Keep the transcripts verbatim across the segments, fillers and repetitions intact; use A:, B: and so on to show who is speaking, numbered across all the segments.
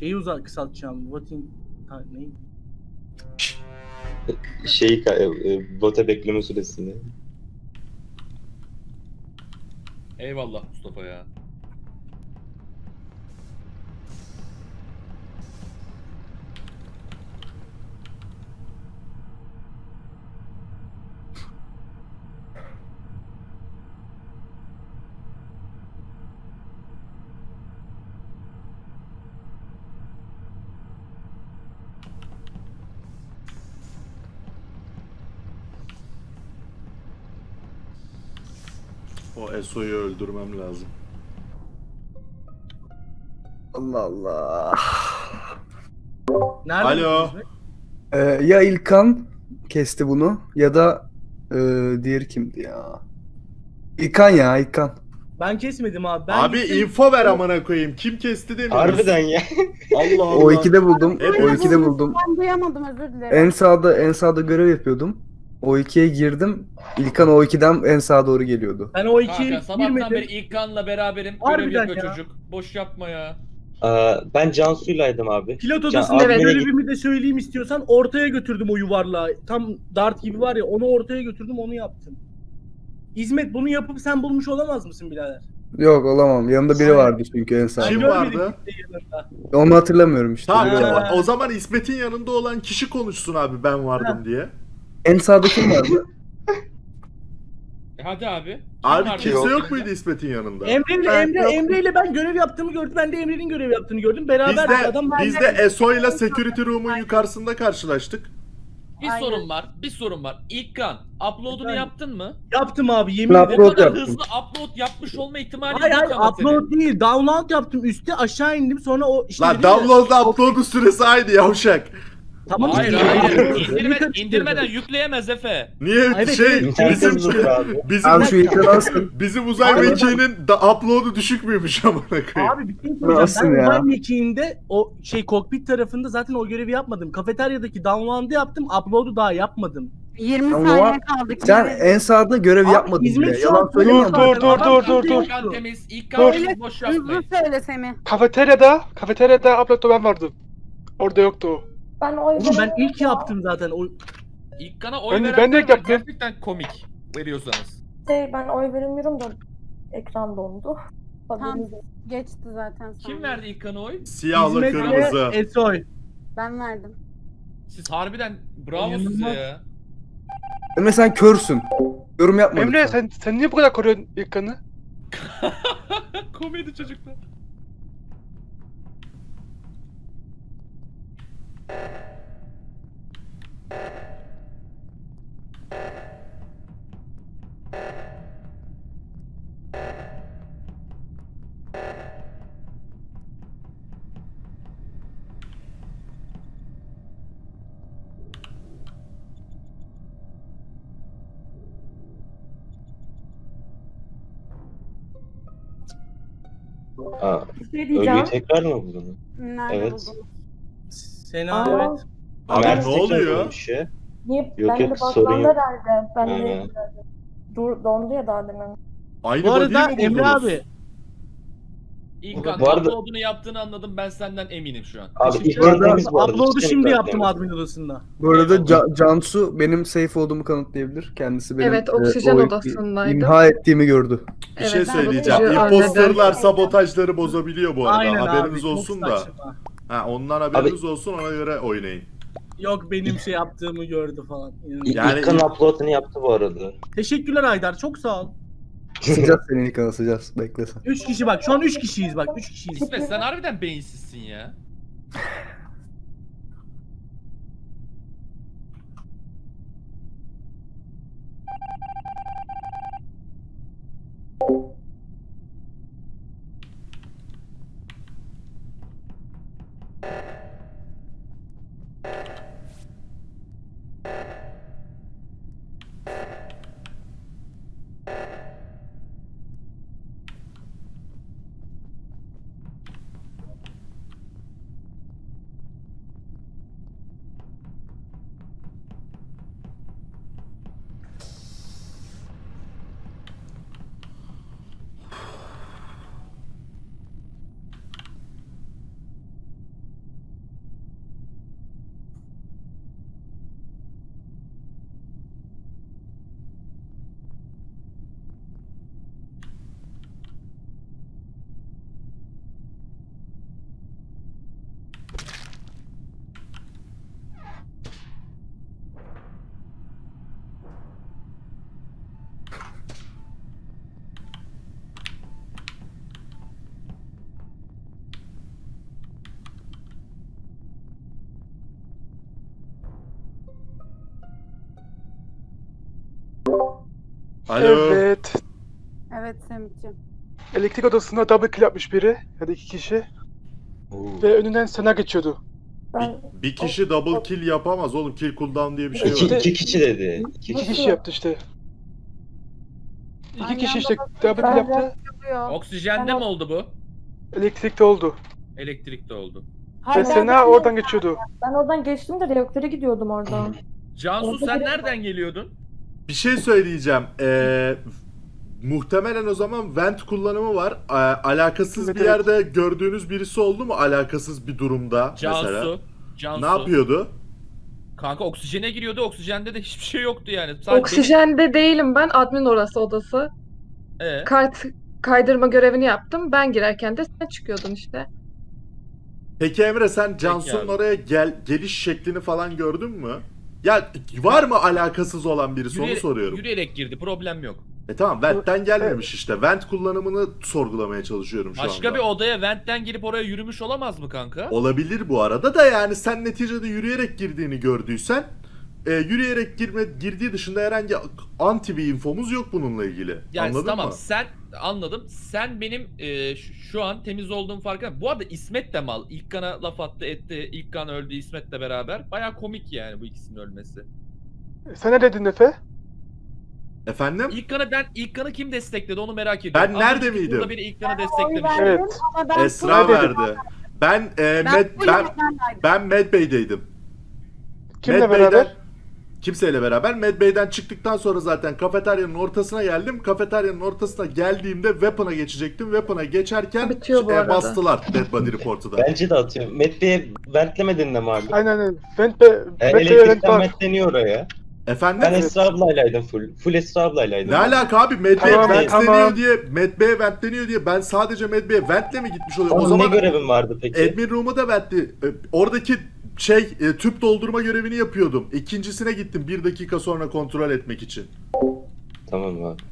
A: Şeyi uzak kısaltacağım. Voting... Ha, neydi?
B: Şeyi ka- e, e, bota bekleme süresini.
C: Eyvallah Mustafa ya.
D: O Eso'yu öldürmem lazım.
E: Allah Allah.
A: Nerede?
D: Alo.
A: buldunuz be?
E: Ee, ya İlkan kesti bunu ya da e, diğeri kimdi ya? İlkan ya İlkan.
A: Ben kesmedim abi. Ben
D: Abi
A: gittim-
D: info ver amına koyayım. Kim kesti demiyoruz.
B: Harbiden ya.
D: Allah Allah.
E: O ikide buldum.
D: Hepimiz-
E: O ikide buldum.
F: Ben duyamadım, özür dilerim.
E: En sağda en sağda görev yapıyordum. O ikiye girdim. İlkan o ikiden en sağa doğru geliyordu.
A: Ben o iki
C: Kanka sabahtan
A: girmedim.
C: beri İlkan'la beraberim.
A: Harbiden
C: Görev yapıyor
A: ya.
C: çocuk. Boş yapma ya.
B: Aa, ben Cansu'ylaydım abi.
A: Pilot
B: Can-
A: odasında
B: admine
A: görevimi de söyleyeyim istiyorsan ortaya götürdüm o yuvarlağı. Tam dart gibi var ya onu ortaya götürdüm onu yaptım. İzmet bunu yapıp sen bulmuş olamaz mısın birader?
E: Yok olamam. Yanımda biri
A: Aynen.
E: vardı çünkü en sağda.
D: Kim
A: Görmedim
D: vardı?
A: kimseyi yanında.
E: Onu hatırlamıyorum işte.
D: Tamam
E: biri
D: o-
E: vardı.
D: o zaman İsmet'in yanında olan kişi konuşsun abi ben vardım diye.
E: En sağda kim vardı?
C: E hadi abi. Kim
D: Abi
C: vardı
D: kimse
C: yanında?
D: yok muydu İsmet'in yanında?
A: Emre ile
E: Ben
A: Emre,
E: yok.
A: Emre ile ben görev yaptığımı gördüm. Ben de Emre'nin görev yaptığını gördüm.
D: Biz
A: Beraber
D: de,
A: adam
D: biz de Eso'yla Security Room'un yukarısında karşılaştık.
C: Bir
F: Aynen.
C: sorun var. Bir sorun var. İlkan, upload'unu
A: Efendim?
C: yaptın mı?
A: yaptım abi yemin
E: Ben
A: ederim.
C: O
E: Upload
C: kadar
E: yaptım.
C: hızlı upload yapmış olma ihtimali
A: Hayır
C: yok
A: hayır
C: ama senin.
A: upload değil. Download yaptım. Üste aşağı indim. Sonra o işte
D: Lan
A: dedim ya-
D: download'la upload'un süresi aynı yavşak.
A: Tamam
C: Hayır
A: işte.
C: hayır.
A: Karıştırdım.
C: İndirme, indirmeden yükleyemez Efe.
D: Niye
A: Evet,
D: şey
A: evet.
B: İnternet
D: bizim
B: hızlıdır abi.
D: bizim
E: Abi şu İlkan'ı alsın.
D: bizim uzay
A: Abi,
D: mekiğinin da upload'u düşük müymüş amına koyayım?
A: Abi bir şey söyleyeceğim.
E: Nasıl
A: Ben
E: ya?
A: uzay mekiğinde o şey kokpit tarafında zaten o görevi yapmadım. Kafeteryadaki download'u yaptım. Upload'u daha yapmadım.
F: yirmi
E: Ama
F: saniye kaldı.
E: Sen en sağda görev
A: Abi,
E: yapmadın
A: İzmir
E: bile.
A: şu
E: Yalan
A: an-
E: söyleme.
A: Dur,
E: ama.
A: dur,
G: dur,
A: Tamam,
G: dur, dur.
C: İlkan temiz. İlkan
F: Öyle
C: boş
F: hızlı
C: yapmayın.
F: söyle Semih.
G: Kafeteryada, kafeteryada upload'da ben vardım. Orada yoktu o.
H: Ben oy
A: Oğlum ben
H: veremedim
A: ilk
H: ya.
A: yaptım zaten. O
C: İlkan'a oy
G: Ben de-
C: verenler
G: ben de
C: var,
G: yaptım.
C: gerçekten komik veriyorsanız.
H: Şey, ben oy veremiyorum da ekran dondu. Haberiniz olsun.
F: Geçti zaten.
C: Kim
F: sonra.
C: verdi İlkan'a oy?
D: Siyahla
A: İzmet
D: kırmızı.
A: ve Esoy.
F: Ben verdim.
C: Siz harbiden bravo size
A: İnanılmaz.
C: ya.
E: Emre sen körsün. Yorum yapma.
G: Emre
E: lütfen.
G: sen sen niye bu kadar koruyorsun İlkan'ı?
C: Komedi çocuklar.
B: Aa,
H: Bir şey
B: ölüyü
H: diyeceğim.
B: tekrar mı buldun?
F: Nerede
B: Evet.
F: buldun?
A: Sena
H: Aa,
A: evet.
D: Abi
B: Mert
D: ne
B: tekrar
D: oluyor?
B: bulmuş ya.
H: Niye?
B: Yok,
H: ben de
B: yok,
H: bakmam
B: sorun yok.
H: herhalde. Ben
B: Hı.
H: de dur dondu ya daha demin.
D: Aynı
A: Bu
D: body'yi
A: arada
D: mi
A: Emre
D: buldunuz?
A: abi.
C: İlkan
B: Bu arada-
C: upload'unu yaptığını anladım, ben senden eminim şu an.
B: Abi
A: Teşekkür
B: İlkan
A: ederim.
B: temiz bu arada.
A: Upload'u
B: Cidden
A: şimdi
B: İlkan
A: yaptım
B: temiz.
A: admin odasında.
E: Bu arada
C: Eyvallah.
E: Ca- Cansu benim safe olduğumu kanıtlayabilir. Kendisi benim
I: Evet,
E: e,
I: oksijen
E: o-
I: odasındaydı.
E: imha ettiğimi gördü.
D: Bir şey
I: Evet,
D: söyleyeceğim.
I: ben bunu
D: İmposterlar
I: hallederim.
D: sabotajları bozabiliyor bu arada.
A: Aynen
D: haberiniz
A: abi.
D: olsun
A: çok
D: da.
A: saçma.
D: Ha, ondan haberiniz olsun ona göre oynayın.
A: Yok benim şey yaptığımı gördü falan. İnanılmaz.
B: İ-
D: Yani-
B: İlkan upload'unu yaptı bu arada.
A: Teşekkürler Aydar. Çok sağ ol.
E: Sıcaz senin İlkan'ı sıcaz. Bekle sen.
A: Üç kişi bak. Şu an üç kişiyiz bak. Üç kişiyiz.
C: İsmet sen harbiden beyinsizsin ya.
D: Alo.
G: Evet.
F: Evet Semih'ciğim.
G: Elektrik odasında double kill yapmış biri ya da iki kişi
B: Oo.
G: ve önünden Sena geçiyordu.
H: Ben
D: Bir kişi double kill yapamaz oğlum. Kill cooldown diye bir şey
B: İki,
D: var.
B: iki kişi dedi. İki
G: İki
B: kişi.
G: kişi yaptı işte. İki
F: Aynı
G: kişi
F: anda
G: işte
F: basınca
G: double kill yaptı.
F: Yapıyor.
C: Oksijende
H: Ben-
C: mi oldu bu?
G: Elektrikte oldu.
C: Elektrikte oldu.
G: Ve
F: Hayır, ben-
G: Sena oradan geçiyordu.
H: ben oradan geçtim de reaktöre gidiyordum oradan.
C: Cansu
H: Orada
C: sen
H: biri var.
C: nereden geliyordun?
D: Bir şey söyleyeceğim. Ee, muhtemelen o zaman vent kullanımı var. Ee, alakasız
G: Evet,
D: bir
G: evet.
D: yerde gördüğünüz birisi oldu mu? Alakasız bir durumda
C: Cansu.
D: mesela.
C: Cansu.
D: Ne yapıyordu?
C: Kanka oksijene giriyordu. Oksijende de hiçbir şey yoktu yani. Sadece
I: Oksijende değilim ben. Admin orası odası.
C: Ee,
I: Kart kaydırma görevini yaptım. Ben girerken de sen çıkıyordun işte.
D: Peki Emre sen Cansu'nun
C: abi.
D: oraya gel geliş şeklini falan gördün mü? Ya var mı alakasız olan birisi onu
C: yürüyerek,
D: soruyorum.
C: yürüyerek girdi. Problem yok.
D: E tamam Vent'ten gelmemiş işte. Vent kullanımını sorgulamaya çalışıyorum şu
C: Başka
D: anda.
C: bir odaya ventten girip oraya yürümüş olamaz mı kanka?
D: Olabilir bu arada da yani sen neticede yürüyerek girdiğini gördüysen e, yürüyerek girme, girdiği dışında herhangi anti bir infomuz yok bununla ilgili.
C: Yani
D: Anladın
C: tamam
D: mı?
C: sen anladım. Sen benim e, şu, şu an temiz olduğum farkında. Bu arada İsmet de mal. İlkan'a laf attı etti. İlkan öldü İsmet'le beraber. Baya komik yani bu ikisinin ölmesi.
G: Sen ne dedin Efe?
D: Efendim?
C: İlkan'ı ben İlkan'ı kim destekledi onu merak ediyorum.
D: Ben
C: Az
D: nerede
C: önceki
D: miydim?
C: turda biri İlkan'ı
F: Oy
C: desteklemiş.
F: verdim
G: Evet.
F: ama ben
D: Esra
G: full-
D: verdi. Ben e,
F: Ben,
D: Med,
F: full
D: ben
F: Medbay'daydım.
D: ben Medbay'deydim.
G: Kimle
D: Med
G: beraber?
D: Bey'den- kimseyle beraber. Medbay'den çıktıktan sonra zaten kafeteryanın ortasına geldim. Kafeteryanın ortasına geldiğimde Weapon'a geçecektim. Weapon'a geçerken
I: Bitiyor bu
D: e,
I: arada.
D: bastılar Dead Body Report'u da.
B: Bence de atıyorum. Medbay'e ventlemedin de mi abi?
G: Aynen öyle. Vent be,
B: E,
G: Vent be vent
B: elektrikten
G: var.
B: ventleniyor oraya.
D: Efendim?
B: Ben Esra ablaylaydım full. Full Esra ablaylaydım.
D: Ne alaka abi? Medbay'e
G: Tamam,
D: ventleniyor
G: tamam.
D: diye, Medbay'e ventleniyor diye ben sadece Medbay'e ventle mi gitmiş oluyorum?
B: Onun
D: O zaman
B: ne görevin vardı peki?
D: admin room'a da ventli. e, Oradaki şey e, tüp doldurma görevini yapıyordum. İkincisine gittim bir dakika sonra kontrol etmek için.
B: Tamam abi.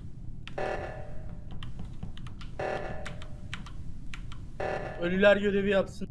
A: Ölüler görevi yapsın.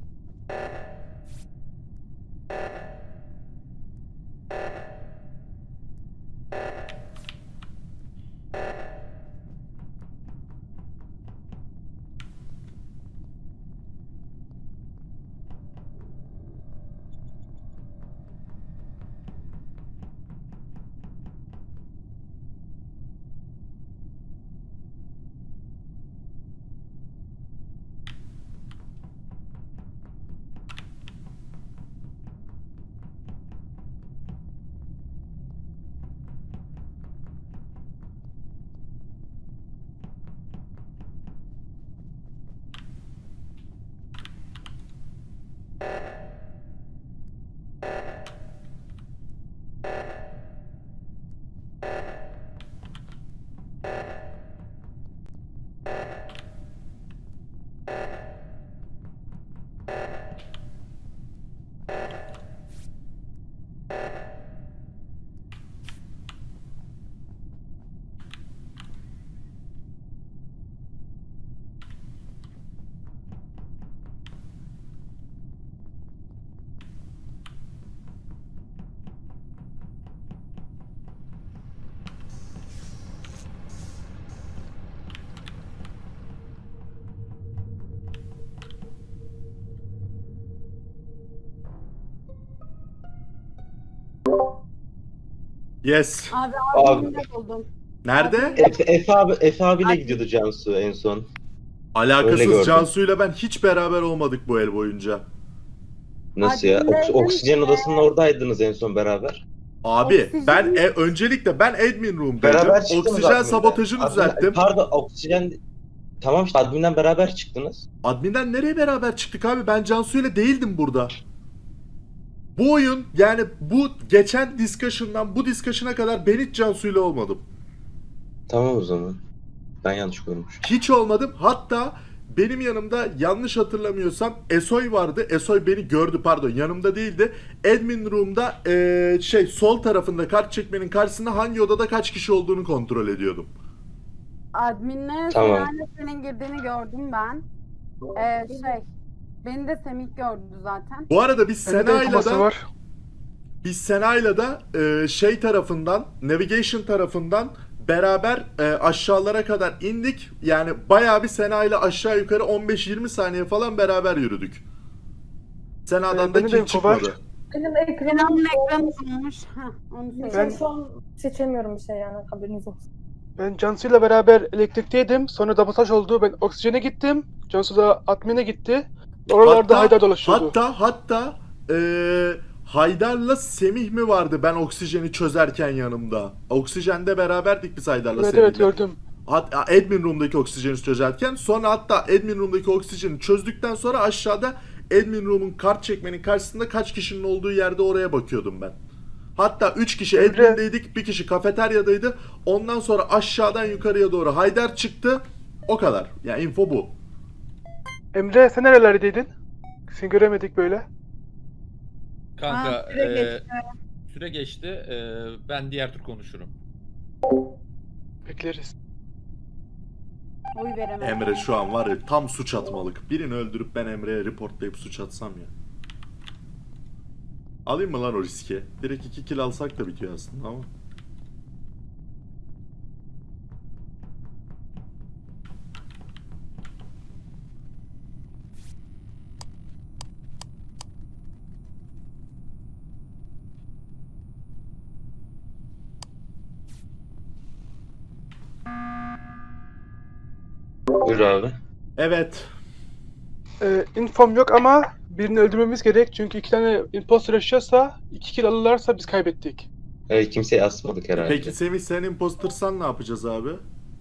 D: Yes.
F: Abi
B: Abi.
F: abimle buldum.
D: Nerede?
B: Efe, Efe abi, Efe abiyle
F: Abi.
B: gidiyordu Cansu en son. Öyle
D: Alakasız
B: gördüm.
D: Cansu'yla ben hiç beraber olmadık bu el boyunca.
B: Nasıl ya?
F: Admin'le
B: Oks- oksijen
F: evde-
B: odasının oradaydınız en son beraber.
D: Abi
F: Oksijen-
D: ben e, öncelikle ben admin room'daydım.
B: Beraber çıktınız
D: Oksijen
B: adminden.
D: sabotajını
B: Admin-
D: düzelttim.
B: Pardon oksijen... Tamam işte adminden beraber çıktınız.
D: Admin'den nereye beraber çıktık abi? Ben Cansu'yla değildim burada. Bu oyun yani bu geçen discussion'dan bu discussion'a kadar ben hiç Cansu'yla olmadım.
B: Tamam o zaman. Ben yanlış görmüşüm.
D: Hiç olmadım. Hatta benim yanımda yanlış hatırlamıyorsam Esoy vardı. Esoy beni gördü pardon yanımda değildi. Admin room'da eee, şey sol tarafında kart çekmenin karşısında hangi odada kaç kişi olduğunu kontrol ediyordum.
F: Adminle
B: Tamam.
F: Sena'yla senin girdiğini gördüm ben. Ee, şey, beni de Semih gördü zaten.
D: Bu arada biz
G: Bende de
D: Sena'yla
G: infoması
D: da
G: var.
D: biz Sena'yla da eee, şey tarafından navigation tarafından beraber e, aşağılara kadar indik. Yani bayağı bir Sena ile aşağı yukarı on beş yirmi saniye falan beraber yürüdük. Sena'dan
G: Ee,
D: da
G: benim de
D: kill
G: info var.
D: çıkmadı.
H: Benim
F: Kenan'ın
H: ekranım
F: ekranı olmuş. Heh, onu
H: Ben
F: söyle.
H: şu an seçemiyorum bir şey yani haberiniz olsun.
G: Ben Cansu'yla beraber elektrikteydim. Sonra sabotaj oldu. Ben oksijene gittim. Cansu da admin'e gitti. Oralarda Haydar dolaşıyordu.
D: Hatta hatta e, Haydar'la Semih mi vardı ben oksijeni çözerken yanımda? Oksijende beraberdik biz Haydar'la
G: Evet
D: Semih'le.
G: evet gördüm.
D: Hat- admin room'daki oksijeni çözerken sonra hatta admin room'daki oksijeni çözdükten sonra aşağıda admin room'un kart çekmenin karşısında kaç kişinin olduğu yerde oraya bakıyordum ben. Hatta üç kişi
G: Emre-
D: admin'deydik, bir kişi kafeteryadaydı. Ondan sonra aşağıdan yukarıya doğru Haydar çıktı. O kadar. Yani info bu.
G: Emre sen nerelerdeydin? Seni göremedik böyle.
C: Kanka
F: Ha, süre
C: e,
F: geçti.
C: süre geçti. E, ben diğer tur konuşurum.
G: Bekleriz.
F: Oy veremedim.
D: Emre şu an var ya tam suç atmalık. Birini öldürüp ben Emre'ye reportlayıp suç atsam ya. Alayım mı lan o riski? Direkt iki kill alsak da bitiyor aslında ama.
B: Buyur abi.
D: Evet.
G: Ee, infom yok ama birini öldürmemiz gerek. Çünkü iki tane imposter yaşıyorsa, iki kill alırlarsa biz kaybettik.
B: Evet, kimseyi asmadık herhalde.
D: Peki Semih sen impostersan ne yapacağız abi?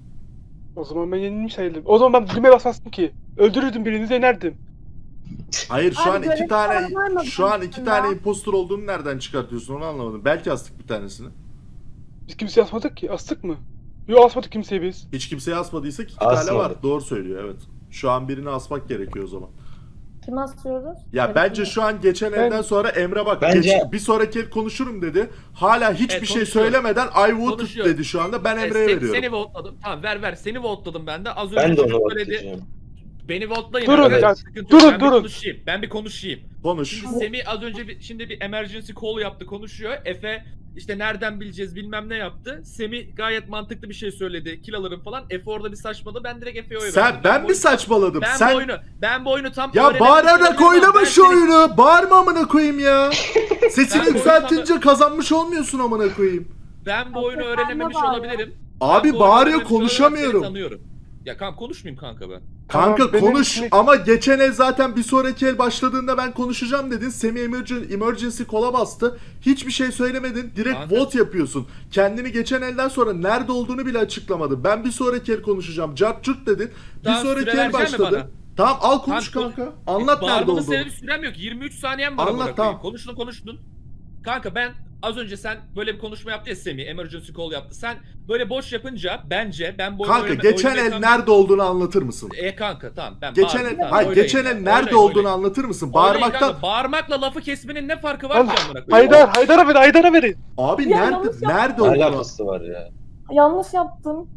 G: O zaman ben yenilmiş sayılırım. O zaman ben düğmeye basmazdım ki. Öldürürdüm birini denerdim.
D: Hayır şu
F: Abi
D: an iki
F: görev
D: tane
F: falan var mı
D: şu an
F: bunun
D: iki
F: dışında?
D: tane impostor olduğunu nereden çıkartıyorsun onu anlamadım. Belki astık bir tanesini.
G: Biz kimseyi asmadık ki. Astık mı? Yok asmadık kimseyi biz.
D: Hiç kimseyi asmadıysak iki tane
B: Asmadık.
D: var. Doğru söylüyor evet. Şu an birini asmak gerekiyor o zaman.
H: Kim asıyoruz?
D: Ya
H: Evet,
D: bence
H: kim?
D: şu an geçen
G: Ben-
D: elden sonra Emre bak
B: Bence-
D: geç- bir sonraki el konuşurum dedi. Hala hiçbir
C: Evet,
D: şey
C: konuşuyor.
D: söylemeden I voted
C: Konuşuyor.
D: dedi şu anda. Ben
C: E,
D: Emre'ye
C: sen-
D: veriyorum.
C: Seni votladım. Tamam ver ver. Seni votladım ben de. Az önce
B: Ben de onu
C: çocuk söyledi.
B: atacağım.
C: Beni votlayın.
G: Durun
C: arkadaşlar,
B: ya,
C: sıkıntı yok.
G: durun,
C: ben
G: durun.
C: Bir konuşayım. Ben bir konuşayım.
D: Konuş.
C: Şimdi Semih az önce bir, şimdi bir emergency call yaptı konuşuyor. Efe işte nereden bileceğiz bilmem ne yaptı. Semih gayet mantıklı bir şey söyledi. Kill alırım falan. Efe orada bir saçmadı. Ben direkt Efe'ye oy
D: Sen
C: verdim.
D: ben
C: bu
D: mi saçmaladım?
C: Ben
D: Sen
C: bu oyunu ben bu oyunu tam
D: ya
C: öğrenememiş
D: bağırarak
C: olabilirim ama
D: oynama
C: ben
D: şu
C: seni-
D: oyunu. Bağırma amına koyayım ya. Sesini
C: Ben bu
D: yükseltince kazanmış olmuyorsun amına koyayım.
C: Ben bu oyunu
F: Efe,
C: öğrenememiş
F: sen de bağır.
C: olabilirim.
D: Abi
C: Ben bu oyunu
D: bağırıyor
C: öğrenememiş olabilirim,
D: konuşamıyorum.
C: seni tanıyorum. Ya kanka konuşmayayım kanka ben.
D: Kanka
G: Tamam, benim
D: konuş
G: ismi-
D: ama geçen el zaten bir sonraki el başladığında ben konuşacağım dedin. Semi emergency, emergency kola bastı. Hiçbir şey söylemedin. Direkt
C: Kanka-
D: vote yapıyorsun. Kendini geçen elden sonra nerede olduğunu bile açıklamadı. Ben bir sonraki el konuşacağım. Cart curt dedin.
C: Tamam,
D: bir sonraki
C: süre
D: el
C: vereceksin mi
D: başladı.
C: bana?
D: Tamam al konuş
C: Kanka,
D: kanka. Anlat nerede
C: Bağırmanın
D: olduğunu.
C: sebebi sürem yok. yirmi üç saniyem var.
D: Anlat,
C: amına koyayım.
D: tamam.
C: Konuştun konuştun. Kanka ben az önce sen böyle bir konuşma yaptı ya Semih. Emergency call yaptı. Sen böyle boş yapınca bence ben bu oyunu
D: Kanka
C: oynama-
D: geçen
C: oyunu
D: el
C: yakan-
D: nerede olduğunu anlatır mısın?
C: E kanka tamam ben
D: Geçen
C: bağırdım,
D: el,
C: tamam,
D: hayır
C: oynayın
D: geçen
C: ya,
D: el nerede
C: oynayın,
D: olduğunu
C: oynayın.
D: anlatır mısın?
C: Oynayın
D: Bağırmaktan.
C: kanka, bağırmakla lafı kesmenin ne farkı var
G: Al,
C: ki amına koyayım?
G: Haydar, Haydar'a verin, Haydar'a verin.
D: Abi
H: Ya,
D: nerede
H: yanlış
D: nerede
B: Ne
D: olduğunu?
B: alakası var ya?
H: Yanlış yaptım.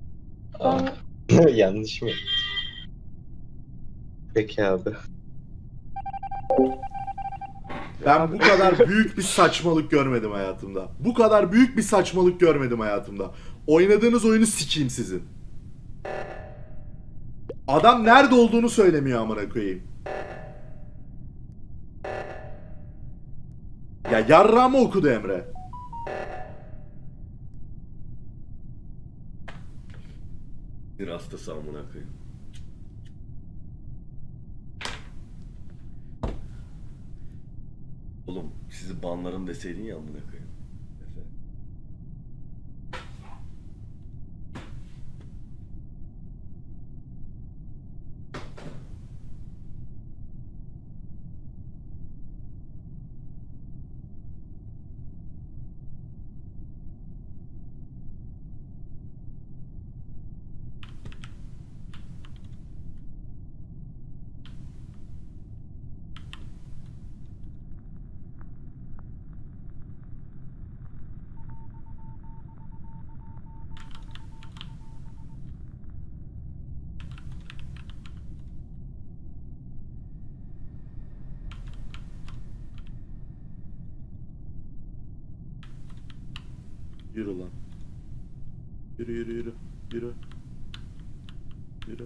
B: Aa,
H: Ben
B: yanlış mı? Peki abi.
D: Ben bu kadar büyük bir saçmalık görmedim hayatımda. Bu kadar büyük bir saçmalık görmedim hayatımda. Oynadığınız oyunu sikeyim sizin. Adam nerede olduğunu söylemiyor amına koyayım. Ya yarrağımı okudu Emre. Bir hastası amına koyayım. Oğlum sizi banlarım deseydin ya amına koyayım. Efe. Yürü lan. Yürü yürü yürü. Yürü. Yürü.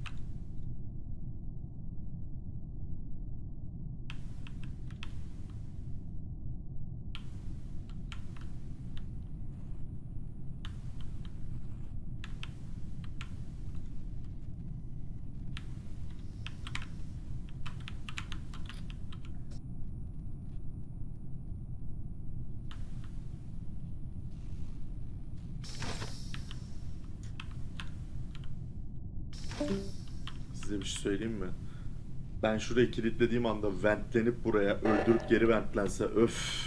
D: Size bir şey söyleyeyim mi? Ben şurayı kilitlediğim anda ventlenip buraya öldürüp geri ventlense öf.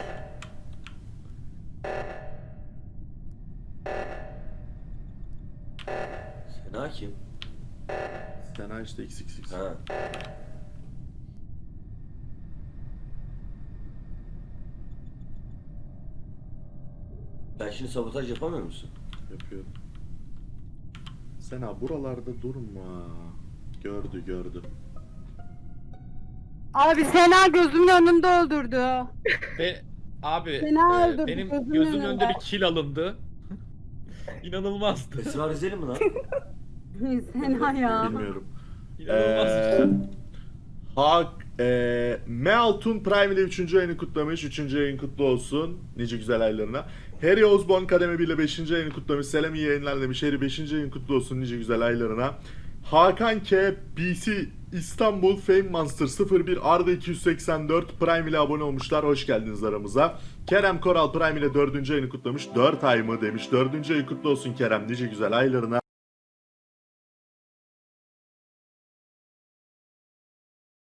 J: Sena kim?
D: Sena işte x x x.
J: Ha. Ben şimdi sabotaj yapamıyor musun?
D: Yapıyorum. Sena buralarda durma. Gördü gördü.
F: Abi Sena gözümün önünde öldürdü.
C: Ve abi
F: Sena
C: e,
F: öldürdü,
C: benim
F: gözümün
C: gözümün
F: önünde.
C: önünde bir kill alındı. İnanılmazdı.
J: Esra Rizeli mi lan?
F: Sena ya.
D: Bilmiyorum.
C: İnanılmaz.
D: Ee, Hak e, Mealtun Prime ile üçüncü ayını kutlamış. üçüncü ayın kutlu olsun. Nice güzel aylarına. Harry Osborne Kademe bir ile beşinci ayını kutlamış. Selam iyi yayınlar demiş. Harry beşinci ayın kutlu olsun. Nice güzel aylarına. Hakan K. B C İstanbul Fame Monster sıfır bir Arda iki yüz seksen dört Prime ile abone olmuşlar. Hoş geldiniz aramıza. Kerem Koral Prime ile dördüncü ayını kutlamış. dört ay mı demiş. dördüncü ayı kutlu olsun Kerem. Nice güzel aylarına.